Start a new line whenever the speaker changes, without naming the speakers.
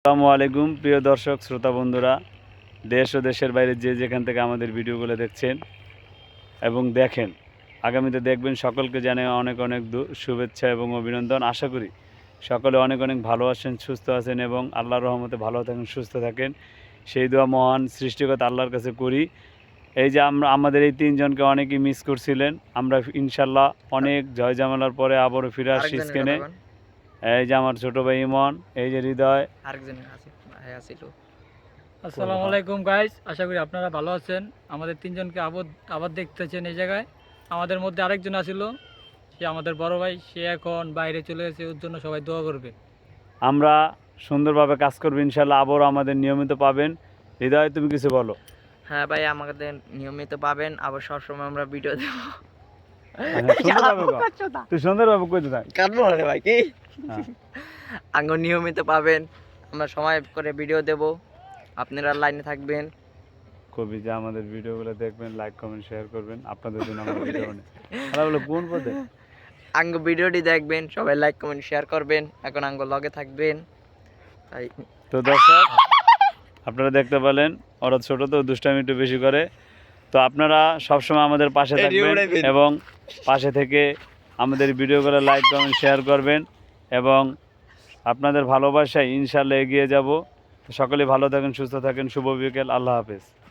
আসসালামু আলাইকুম প্রিয় দর্শক শ্রোতা বন্ধুরা, দেশ ও দেশের বাইরে যে যেখান থেকে আমাদের ভিডিওগুলো দেখছেন এবং দেখেন, আগামীতে দেখবেন, সকলকে জানাই অনেক অনেক শুভেচ্ছা এবং অভিনন্দন। আশা করি সকলে অনেক অনেক ভালো আছেন, সুস্থ আছেন এবং আল্লাহর রহমতে ভালো থাকেন, সুস্থ থাকেন, সেই দোয়া মহান সৃষ্টিকর্তা আল্লাহর কাছে করি। এই যে আমাদের এই তিনজনকে অনেকেই মিস করছিলেন, আমরা ইনশাল্লাহ অনেক জয় জামালার পরে আবারও ফিরে আসছি স্ক্রিনে। এই যে আমার ছোট ভাই ইমন, এই যে হৃদয়,
আসসালামু আলাইকুম গাইস, আশা করি আপনারা ভালো আছেন। আমাদের তিনজনকে আবার দেখতেছেন এই জায়গায়। আমাদের মধ্যে আরেকজন আছিল, সে আমাদের বড় ভাই, সে এখন বাইরে চলে গেছে, ওর জন্য সবাই দোয়া করবে।
আমরা সুন্দরভাবে কাজ করবো ইনশাল্লাহ, আবারও আমাদের নিয়মিত পাবেন। হৃদয়, তুমি কিছু বলো।
হ্যাঁ ভাই, আমাদের নিয়মিত পাবেন, আবার সবসময় আমরা ভিডিও দেব।
তুই সুন্দরভাবে কইতে থাক।
কাটবো না ভাই, কি
হ্যাঁ।
আঙ্গ নিয়মিত পাবেন, আমরা সময় করে ভিডিও দেব, আপনারা লাইনে থাকবেন।
কবি যে আমাদের ভিডিওগুলো দেখবেন, লাইক কমেন্ট শেয়ার করবেন, আপনাদের জন্য আমাদের ভিডিও অনেক ভালো হলো। কোন পদে
আঙ্গ ভিডিওটি দেখবেন, সবাই লাইক কমেন্ট শেয়ার করবেন, এখন আঙ্গ লগে থাকবেন। তাই
তো দর্শক, আপনারা দেখতে পেলেন, ওরা ছোট তো দুষ্টামি একটু বেশি করে। তো আপনারা সবসময় আমাদের পাশে থাকবেন এবং পাশে থেকে আমাদের ভিডিওগুলো লাইক কমেন্ট শেয়ার করবেন এবং আপনাদের ভালোবাসায় ইনশাল্লাহ এগিয়ে যাব। সকলে ভালো থাকেন, সুস্থ থাকেন। শুভ বিকেল, আল্লাহ হাফেজ।